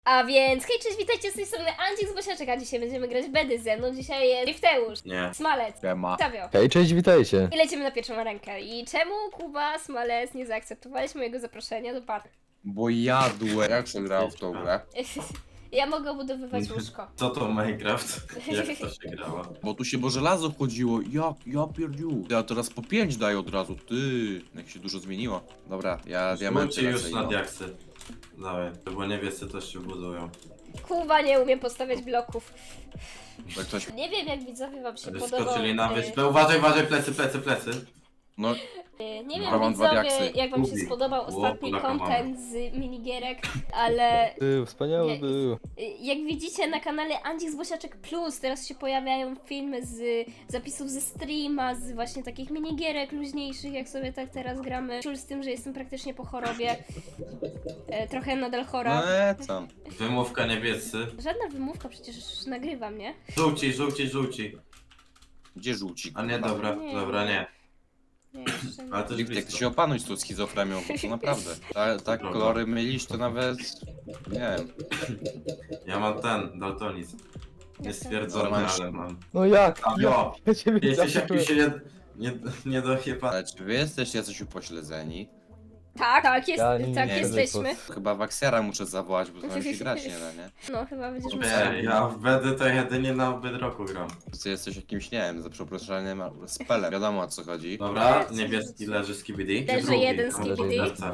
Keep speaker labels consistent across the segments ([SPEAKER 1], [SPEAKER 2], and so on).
[SPEAKER 1] A więc, hej, cześć, witajcie z tej strony Andzik z Bosiaczek, a dzisiaj będziemy grać Bedy ze mną. Dzisiaj jest Drifteusz,
[SPEAKER 2] Nie.
[SPEAKER 1] Smalec,
[SPEAKER 3] Siema.
[SPEAKER 1] Stawio.
[SPEAKER 3] Hej, cześć, witajcie.
[SPEAKER 1] I lecimy na pierwszą rękę. I czemu Kuba, Smalec nie zaakceptowałeś mojego zaproszenia do party?
[SPEAKER 3] Bo jadłem. Jak się grało w tą grę?
[SPEAKER 1] Ja mogę obudowywać łóżko.
[SPEAKER 2] Co to Minecraft? Jak to się grało?
[SPEAKER 3] Bo tu się bo żelazo chodziło. Ja pierdziu. Ja teraz po 5 daję od razu. Ty. Jak się dużo zmieniło. Dobra, ja diamenty
[SPEAKER 2] Zróbcie już
[SPEAKER 3] lecę,
[SPEAKER 2] na
[SPEAKER 3] no.
[SPEAKER 2] diaksy. Dawaj, bo niebiescy też się budują.
[SPEAKER 1] Kuba nie umie postawiać bloków.
[SPEAKER 3] Jak ktoś...
[SPEAKER 1] Nie wiem, jak widzowie wam się podobał.
[SPEAKER 2] Skoczyli na wyspę. Uważaj, plecy.
[SPEAKER 3] No,
[SPEAKER 1] Nie
[SPEAKER 3] Dobra,
[SPEAKER 1] wiem,
[SPEAKER 3] mam dwa
[SPEAKER 1] widzowie,
[SPEAKER 3] diaksy.
[SPEAKER 1] jak wam się
[SPEAKER 2] Gubi.
[SPEAKER 1] spodobał ostatni
[SPEAKER 2] Polaka
[SPEAKER 1] content z minigierek, ale
[SPEAKER 4] Był, wspaniały
[SPEAKER 1] Nie-
[SPEAKER 4] był.
[SPEAKER 1] jak widzicie na kanale Andzik z Bosiaczek Plus, teraz się pojawiają filmy z zapisów ze streama, z właśnie takich minigierek luźniejszych, jak sobie tak teraz gramy. Ciul z tym, że jestem praktycznie po chorobie. Trochę nadal chora.
[SPEAKER 3] co?
[SPEAKER 2] Wymówka niebiescy.
[SPEAKER 1] Żadna wymówka, przecież nagrywam, nie?
[SPEAKER 2] Żółci.
[SPEAKER 3] Gdzie żółcik?
[SPEAKER 2] A nie, dobra,
[SPEAKER 1] Nie.
[SPEAKER 2] dobra, nie.
[SPEAKER 1] Nie, jeszcze nie.
[SPEAKER 2] Ale to
[SPEAKER 3] Jak
[SPEAKER 2] jest
[SPEAKER 3] ty
[SPEAKER 2] blisko.
[SPEAKER 3] się opanuj z tą schizofrenią, bo to naprawdę. Tak
[SPEAKER 2] Dobra.
[SPEAKER 3] kolory mylisz, to nawet... Nie wiem.
[SPEAKER 2] Ja mam ten, daltonizm. Nie stwierdzony,
[SPEAKER 3] Normalnie.
[SPEAKER 2] ale mam.
[SPEAKER 4] No jak?
[SPEAKER 2] A, jo.
[SPEAKER 4] Ja ciebie
[SPEAKER 2] Jesteś
[SPEAKER 4] zaskoczyłem.
[SPEAKER 2] jakiś nie do chyba.
[SPEAKER 3] Ale czy wy jesteście jacyś upośledzeni?
[SPEAKER 1] Tak, jest,
[SPEAKER 4] Ja nie-
[SPEAKER 1] tak
[SPEAKER 4] nie
[SPEAKER 1] jesteśmy.
[SPEAKER 3] Chyba Waksera muszę zawołać, bo tam się grać nie da, nie?
[SPEAKER 1] No, chyba będziesz musiał.
[SPEAKER 2] Nie, ja w BD to jedynie na Bedrocku gram.
[SPEAKER 3] Ty jesteś jakimś, nie wiem, za przeproszeniem spelem. Wiadomo o co chodzi.
[SPEAKER 2] Dobra, niebieski leży z KBD.
[SPEAKER 1] Leży
[SPEAKER 2] Drugi,
[SPEAKER 1] jeden z
[SPEAKER 2] tam
[SPEAKER 1] KBD.
[SPEAKER 2] leży serce.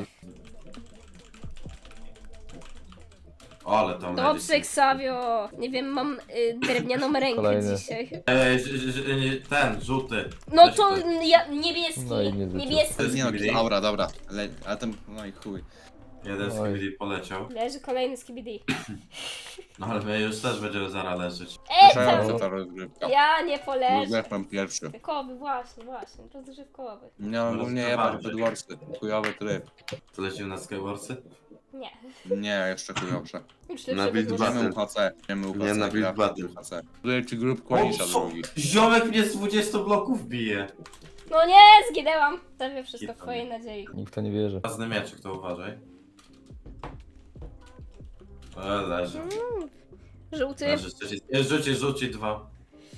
[SPEAKER 2] O, ale tam
[SPEAKER 1] Dobrze,
[SPEAKER 2] leży.
[SPEAKER 1] Ksavio. Nie wiem, mam drewnianą rękę
[SPEAKER 4] Kolejny.
[SPEAKER 1] dzisiaj.
[SPEAKER 2] Ten, żółty.
[SPEAKER 1] No
[SPEAKER 2] Weź
[SPEAKER 1] to niebieski,
[SPEAKER 4] No i nie
[SPEAKER 1] niebieski.
[SPEAKER 3] Nie no,
[SPEAKER 2] Skibidi.
[SPEAKER 3] dobra. Ale ten, no i chuj.
[SPEAKER 2] Jeden z
[SPEAKER 4] Oj.
[SPEAKER 2] KBD poleciał.
[SPEAKER 1] Leży kolejny z KBD.
[SPEAKER 2] No ale my już też będziemy zaraz leżeć.
[SPEAKER 3] Słyszałem,
[SPEAKER 1] tam!
[SPEAKER 3] że ta rozgrywka.
[SPEAKER 1] Ja nie poleżę.
[SPEAKER 3] Rozgrywam pierwszy.
[SPEAKER 1] Rozgrzewkowy, właśnie, rozgrzewkowy.
[SPEAKER 3] Nie, ogólnie jebać Bedwarsy. Chujowy tryb.
[SPEAKER 2] To lecimy na Skywarsy?
[SPEAKER 1] Nie.
[SPEAKER 3] Nie, jeszcze chujowsze.
[SPEAKER 1] Już
[SPEAKER 2] Na
[SPEAKER 1] lepsze
[SPEAKER 2] Build
[SPEAKER 1] wygląda.
[SPEAKER 2] Battle.
[SPEAKER 3] Idziemy UHC.
[SPEAKER 2] Nie, na Build
[SPEAKER 3] gramy
[SPEAKER 2] Battle.
[SPEAKER 3] UHC. Tutaj ci grup Konisza drugi.
[SPEAKER 2] Ziomek mnie z 20 bloków bije.
[SPEAKER 1] No nie, zginęłam. Stawię wszystko w
[SPEAKER 2] Zginąłem.
[SPEAKER 1] twojej nadziei.
[SPEAKER 4] Nikt w to nie wierzy.
[SPEAKER 2] Ważny mieczyk, to uważaj. Leży.
[SPEAKER 1] Żółty
[SPEAKER 2] Leży, rzuci dwa.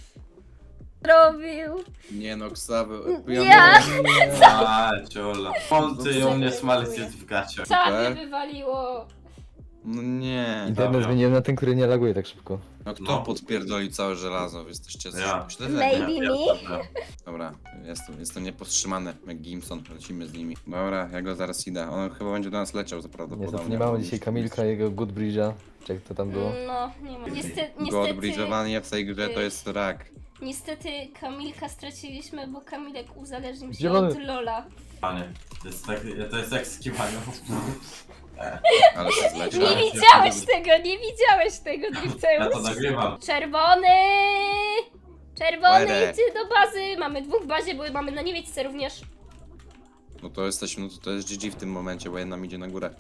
[SPEAKER 1] robił.
[SPEAKER 3] Nie no, Ksawy.
[SPEAKER 1] Ja!
[SPEAKER 2] A, ciola. Monty u mnie smalec jest w gaciach.
[SPEAKER 1] Czapie wywaliło.
[SPEAKER 3] No nie.
[SPEAKER 4] Internet
[SPEAKER 2] Dobra.
[SPEAKER 4] zmieniłem na ten, który nie laguje tak szybko.
[SPEAKER 3] No kto
[SPEAKER 2] No.
[SPEAKER 3] podpierdolił całe żelazo? Jesteście coś
[SPEAKER 2] Ja.
[SPEAKER 3] upośledzeni.
[SPEAKER 1] Maybe me.
[SPEAKER 3] Dobra, jestem niepowstrzymany, jak Gimson, lecimy z nimi. Dobra, ja go zaraz idę. On chyba będzie do nas leciał
[SPEAKER 4] Niestety
[SPEAKER 3] prawdopodobnie.
[SPEAKER 4] nie mamy dzisiaj Kamilka i jego Good Bridge'a. Czy jak to tam było?
[SPEAKER 1] No, nie ma. Niestety,
[SPEAKER 3] Godbridge'owanie w tej grze to jest rak.
[SPEAKER 1] niestety Kamilka straciliśmy, bo Kamilek uzależnił się
[SPEAKER 4] Zielony.
[SPEAKER 1] od Lola.
[SPEAKER 2] Panie, to jest jak z kiwaniem.
[SPEAKER 3] Ale się zleciał.
[SPEAKER 1] Nie widziałeś tego, nie widziałeś tego,
[SPEAKER 2] Ja to
[SPEAKER 1] Drifteusz.
[SPEAKER 2] nagrywam.
[SPEAKER 1] Czerwony! Czerwony,
[SPEAKER 3] Łere.
[SPEAKER 1] idź do bazy! Mamy dwóch w bazie, bo mamy na niewiedzce również.
[SPEAKER 3] No to jesteśmy, no to jest GG w tym momencie, bo jedna idzie na górę.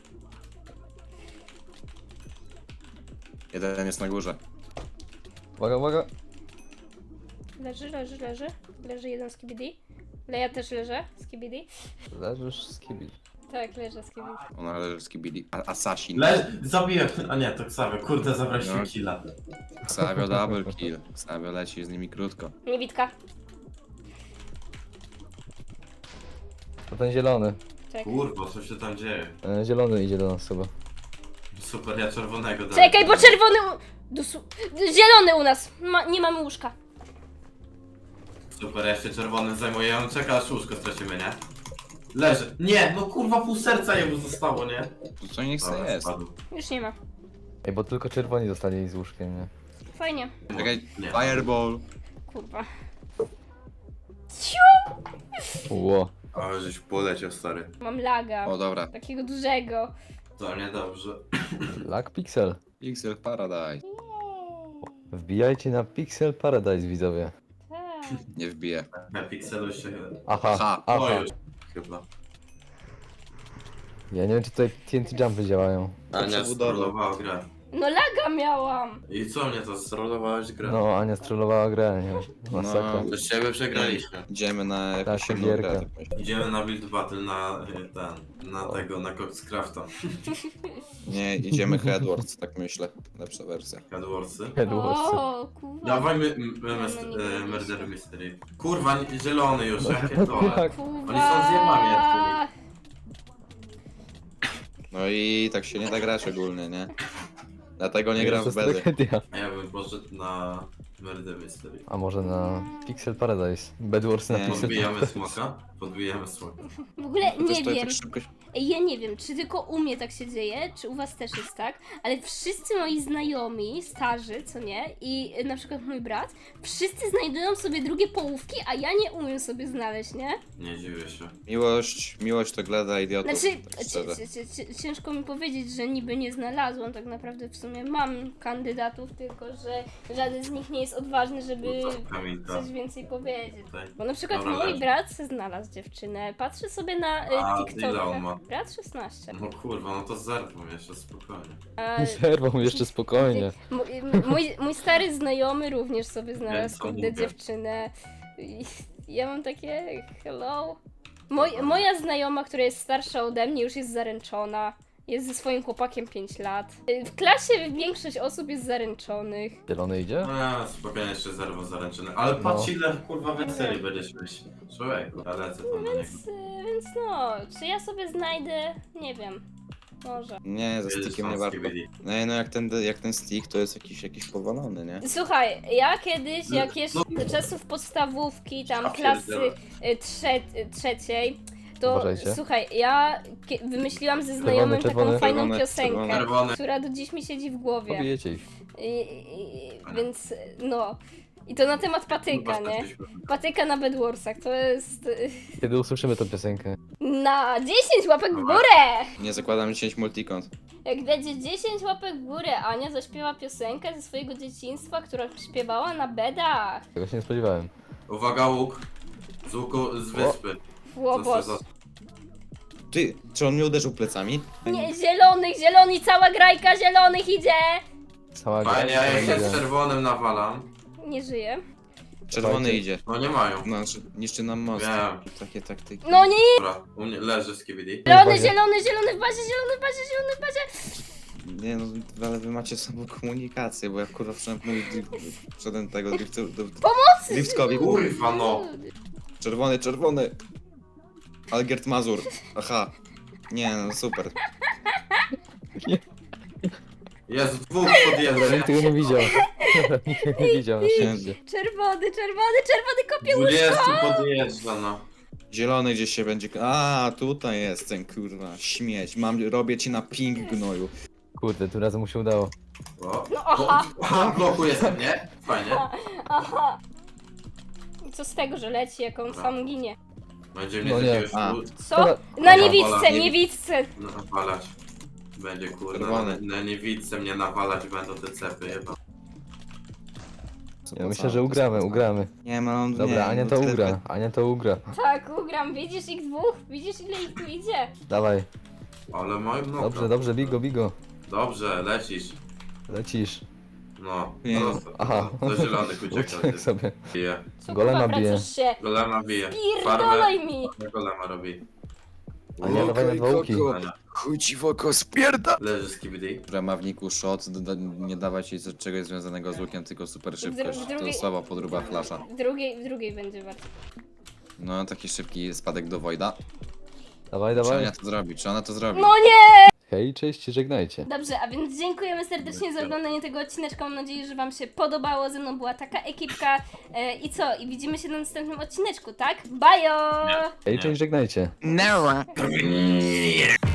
[SPEAKER 3] Jeden jest na górze.
[SPEAKER 4] Uwaga, uwaga.
[SPEAKER 1] Leży. Leży jeden z KBD. Ja też leżę z KBD.
[SPEAKER 4] Leżysz z kibi.
[SPEAKER 1] Tak, leżę z KBD.
[SPEAKER 3] Ona leży z Kibili. Assassin.
[SPEAKER 2] Zabiłem. A nie, to Ksawy. Kurde, zabraliśmy
[SPEAKER 3] No.
[SPEAKER 2] killa.
[SPEAKER 3] Ksavio double kill. Ksavio leci z nimi krótko.
[SPEAKER 1] Niewidka.
[SPEAKER 4] To ten zielony.
[SPEAKER 1] Czekaj.
[SPEAKER 2] Kurwa, co się tam dzieje?
[SPEAKER 4] Zielony idzie do nas chyba.
[SPEAKER 2] Super, ja czerwonego dałem.
[SPEAKER 1] Czekaj, bo czerwony zielony u nas. Nie mamy łóżka.
[SPEAKER 2] Super, ja się czerwonym zajmuję. On czeka aż łóżko stracimy, nie? Leży. Nie, no kurwa pół serca jemu zostało, nie?
[SPEAKER 3] To co niech
[SPEAKER 2] Dobra,
[SPEAKER 3] se jest.
[SPEAKER 2] spadł.
[SPEAKER 1] Już nie ma.
[SPEAKER 4] Ej, bo tylko czerwoni zostali z łóżkiem, nie?
[SPEAKER 1] Fajnie.
[SPEAKER 3] Czekaj,
[SPEAKER 2] Nie.
[SPEAKER 3] fireball.
[SPEAKER 1] Kurwa.
[SPEAKER 4] Ło.
[SPEAKER 2] Ale żeś poleciał, stary.
[SPEAKER 1] Mam laga.
[SPEAKER 3] O dobra.
[SPEAKER 1] Takiego dużego.
[SPEAKER 2] To niedobrze.
[SPEAKER 4] Lag Pixel.
[SPEAKER 3] Pixel Paradise.
[SPEAKER 4] Wbijajcie na Pixel Paradise, widzowie.
[SPEAKER 1] Tak.
[SPEAKER 3] Nie wbije.
[SPEAKER 2] Na pikselu się...
[SPEAKER 4] Aha,
[SPEAKER 3] Ha.
[SPEAKER 2] O
[SPEAKER 4] aha.
[SPEAKER 2] już. Chyba.
[SPEAKER 4] Ja nie wiem, czy tutaj TNT jumpy działają.
[SPEAKER 2] A nie,
[SPEAKER 3] Przebudowa.
[SPEAKER 2] skrolowało grę.
[SPEAKER 1] No laga miałam.
[SPEAKER 2] I co mnie to zrolowałeś grę?
[SPEAKER 4] No, Ania strollowała grę, nie? Masakra.
[SPEAKER 3] No.
[SPEAKER 2] Bez ciebie przegraliśmy.
[SPEAKER 3] Idziemy na jakąś
[SPEAKER 4] Tak,
[SPEAKER 3] inną
[SPEAKER 4] gierka.
[SPEAKER 3] grę. tak myślę.
[SPEAKER 2] Idziemy na build battle na Coxcrafta.
[SPEAKER 3] Nie, idziemy Headwards, tak myślę. Lepsza wersja.
[SPEAKER 2] Headwarsy.
[SPEAKER 4] Headwarsy.
[SPEAKER 1] O, kurwa.
[SPEAKER 2] Dawaj
[SPEAKER 1] No, nie
[SPEAKER 2] Murder Mystery. Kurwa, zielony już, jakie to.
[SPEAKER 4] Tak.
[SPEAKER 1] Kurwa.
[SPEAKER 2] Oni są zjebami jak
[SPEAKER 3] No i tak się nie da grać ogólnie, nie? Dlatego nie
[SPEAKER 4] To
[SPEAKER 3] gram w
[SPEAKER 4] jest
[SPEAKER 3] bedy.
[SPEAKER 4] tragedia.
[SPEAKER 2] A ja bym poszedł na Murder Mystery.
[SPEAKER 4] A może na Pixel Paradise? Bedwars na
[SPEAKER 3] Nie.
[SPEAKER 4] Pixel
[SPEAKER 2] Podbijamy smoka? Podbijamy smoka.
[SPEAKER 1] W ogóle
[SPEAKER 3] To też
[SPEAKER 1] nie
[SPEAKER 3] to
[SPEAKER 1] wiem.
[SPEAKER 3] tak szybko...
[SPEAKER 1] Ej, ja nie wiem, czy tylko u mnie tak się dzieje, czy u was też jest tak, ale wszyscy moi znajomi, starzy, co nie, i na przykład mój brat, wszyscy znajdują sobie drugie połówki, a ja nie umiem sobie znaleźć, nie?
[SPEAKER 2] Nie dziwię się.
[SPEAKER 3] Miłość to gleda idiotów.
[SPEAKER 1] Znaczy,
[SPEAKER 3] tak szczerze.
[SPEAKER 1] ciężko mi powiedzieć, że niby nie znalazłam, tak naprawdę w sumie mam kandydatów, tylko że żaden z nich nie jest odważny, żeby
[SPEAKER 2] No to Kamilka.
[SPEAKER 1] coś więcej powiedzieć.
[SPEAKER 2] Tutaj.
[SPEAKER 1] Bo na przykład
[SPEAKER 2] Dobra,
[SPEAKER 1] mój
[SPEAKER 2] leży.
[SPEAKER 1] brat se znalazł dziewczynę, patrzy sobie na
[SPEAKER 2] A,
[SPEAKER 1] TikToka.
[SPEAKER 2] ile on ma?
[SPEAKER 1] Brat 16.
[SPEAKER 2] No kurwa, no to zerwą jeszcze spokojnie.
[SPEAKER 1] A,
[SPEAKER 4] Zerwą jeszcze spokojnie.
[SPEAKER 1] mój stary znajomy również sobie znalazł
[SPEAKER 2] co
[SPEAKER 1] kurde
[SPEAKER 2] mówię.
[SPEAKER 1] dziewczynę. I ja mam takie hello. Moja znajoma, która jest starsza ode mnie, już jest zaręczona. Jest ze swoim chłopakiem 5 lat. W klasie większość osób jest zaręczonych.
[SPEAKER 4] Zielony idzie?
[SPEAKER 2] No ja spokojnie jeszcze zerwą zaręczyny. Ale patrz ile kurwa więcej będziesz mieć. Człowieku, ja lecę tam na niego.
[SPEAKER 1] Więc no, czy ja sobie znajdę? Nie wiem. Może.
[SPEAKER 3] Nie, ze
[SPEAKER 2] Jedziesz
[SPEAKER 3] stickiem
[SPEAKER 2] tam
[SPEAKER 3] nie
[SPEAKER 2] z
[SPEAKER 3] warto.
[SPEAKER 2] KBD.
[SPEAKER 3] No i no jak ten stick to jest jakiś powalony, nie?
[SPEAKER 1] Słuchaj, ja kiedyś, jak
[SPEAKER 2] No,
[SPEAKER 1] jeszcze czasów podstawówki, tam
[SPEAKER 2] Ja
[SPEAKER 1] klasy
[SPEAKER 2] pierdzielę.
[SPEAKER 1] trzeciej, to
[SPEAKER 4] Uważajcie.
[SPEAKER 1] słuchaj, ja wymyśliłam ze znajomym
[SPEAKER 4] czerwony.
[SPEAKER 1] taką fajną
[SPEAKER 3] Czerwony,
[SPEAKER 1] piosenkę,
[SPEAKER 2] czerwony.
[SPEAKER 1] która do dziś mi siedzi w głowie.
[SPEAKER 4] Pobijecie ich.
[SPEAKER 1] Więc no. I to na temat patyka,
[SPEAKER 2] Kurwa,
[SPEAKER 1] nie?
[SPEAKER 2] skoczyliśmy.
[SPEAKER 1] Patyka na Bedwarsach, to jest
[SPEAKER 4] Kiedy usłyszymy tę piosenkę?
[SPEAKER 1] na 10 łapek w górę!
[SPEAKER 3] Nie zakładam 10 multikont.
[SPEAKER 1] Jak będzie 10 łapek w górę, Ania zaśpiewa piosenkę ze swojego dzieciństwa, która śpiewała na bedach.
[SPEAKER 4] Tego się nie spodziewałem.
[SPEAKER 2] Uwaga łuk. Z łuku z wyspy.
[SPEAKER 1] Łobos.
[SPEAKER 3] Ty, czy on mnie uderzył plecami?
[SPEAKER 1] Nie, zielony, cała grajka zielonych idzie!
[SPEAKER 4] Cała gra.
[SPEAKER 2] Fajnie, ja jak się
[SPEAKER 4] idzie.
[SPEAKER 2] z czerwonym nawalam.
[SPEAKER 1] Nie żyje.
[SPEAKER 3] Czerwony
[SPEAKER 4] Słuchajcie.
[SPEAKER 3] idzie.
[SPEAKER 2] No nie mają.
[SPEAKER 3] Znaczy, niszczy nam most.
[SPEAKER 2] Wiem.
[SPEAKER 3] Takie taktyki.
[SPEAKER 1] No nie!
[SPEAKER 2] Dobra, u mnie leży z KBD.
[SPEAKER 1] Zielony w bazie!
[SPEAKER 3] Nie no, ale wy macie sobą komunikację, bo ja kurwa wszedłem tego driftkowi.
[SPEAKER 2] Kurwa no.
[SPEAKER 3] Czerwony. Algiert Mazur. Aha. Nie no, super.
[SPEAKER 2] Jest dwóch
[SPEAKER 4] Ja
[SPEAKER 2] podjeżdża.
[SPEAKER 4] nikt tego nie widział. Nikt nie widział na szczęście.
[SPEAKER 1] Czerwony kopie
[SPEAKER 2] 20 podjeżdża no.
[SPEAKER 3] Zielony gdzieś się będzie... A, tutaj jest ten kurwa śmieć. Robię ci na ping gnoju.
[SPEAKER 4] Kurde, tym razem mu się udało.
[SPEAKER 2] O.
[SPEAKER 1] No aha.
[SPEAKER 2] Aha, bloku jestem, nie? Fajnie.
[SPEAKER 1] Aha. I co z tego, że leci, jak on sam ginie?
[SPEAKER 2] Będzie mnie
[SPEAKER 4] No
[SPEAKER 2] z
[SPEAKER 4] nie.
[SPEAKER 2] jakiegoś
[SPEAKER 3] A.
[SPEAKER 1] Co?
[SPEAKER 4] Dobra.
[SPEAKER 1] Na
[SPEAKER 2] Dobra,
[SPEAKER 1] niewidce!
[SPEAKER 2] nawalać. Będzie kurwa,
[SPEAKER 3] Czerwony.
[SPEAKER 2] na niewidce mnie nawalać będą te cepy chyba.
[SPEAKER 3] Co
[SPEAKER 4] Ja
[SPEAKER 3] po
[SPEAKER 4] myślę,
[SPEAKER 3] co?
[SPEAKER 4] że ugramy, ugramy.
[SPEAKER 3] Nie, no on
[SPEAKER 4] Dobra,
[SPEAKER 3] nie,
[SPEAKER 4] Ania
[SPEAKER 3] no
[SPEAKER 4] to
[SPEAKER 3] tyle-
[SPEAKER 4] ugra. Ania to ugra.
[SPEAKER 1] Tak, ugram, widzisz ich dwóch? Widzisz ile ich tu idzie?
[SPEAKER 4] Dawaj.
[SPEAKER 2] Ale moim no.
[SPEAKER 4] Dobrze, bigo.
[SPEAKER 2] Dobrze, lecisz.
[SPEAKER 4] Lecisz.
[SPEAKER 2] No.
[SPEAKER 3] Nie.
[SPEAKER 4] Aha.
[SPEAKER 2] Do zielonych ucieka.
[SPEAKER 4] Uciekł sobie.
[SPEAKER 2] Bije.
[SPEAKER 1] Co
[SPEAKER 4] Golema
[SPEAKER 1] kurwa,
[SPEAKER 4] bije.
[SPEAKER 1] wracasz się?
[SPEAKER 2] Golema bije. Farmę.
[SPEAKER 1] Pierdolaj mi!
[SPEAKER 2] Golema robi.
[SPEAKER 4] Ania, dawaj na dwa łuki.
[SPEAKER 3] Chuj ci w oko, spierda!
[SPEAKER 2] Leży z KBD.
[SPEAKER 3] W ramawniku shot, nie dawać jej czegoś związanego z łukiem, tylko super szybkość. To jest słaba podróba flasza.
[SPEAKER 1] W drugiej będzie bardzo.
[SPEAKER 3] No, taki szybki spadek do Wojda.
[SPEAKER 4] Dawaj.
[SPEAKER 3] Czy ona to zrobi?
[SPEAKER 1] No nie!
[SPEAKER 4] Hej, cześć, żegnajcie.
[SPEAKER 1] Dobrze, a więc dziękujemy serdecznie za oglądanie tego odcineczka. Mam nadzieję, że wam się podobało. Ze mną była taka ekipka. I co? I widzimy się na następnym odcineczku, tak? Bajo!
[SPEAKER 4] Hej, cześć, żegnajcie.
[SPEAKER 3] No.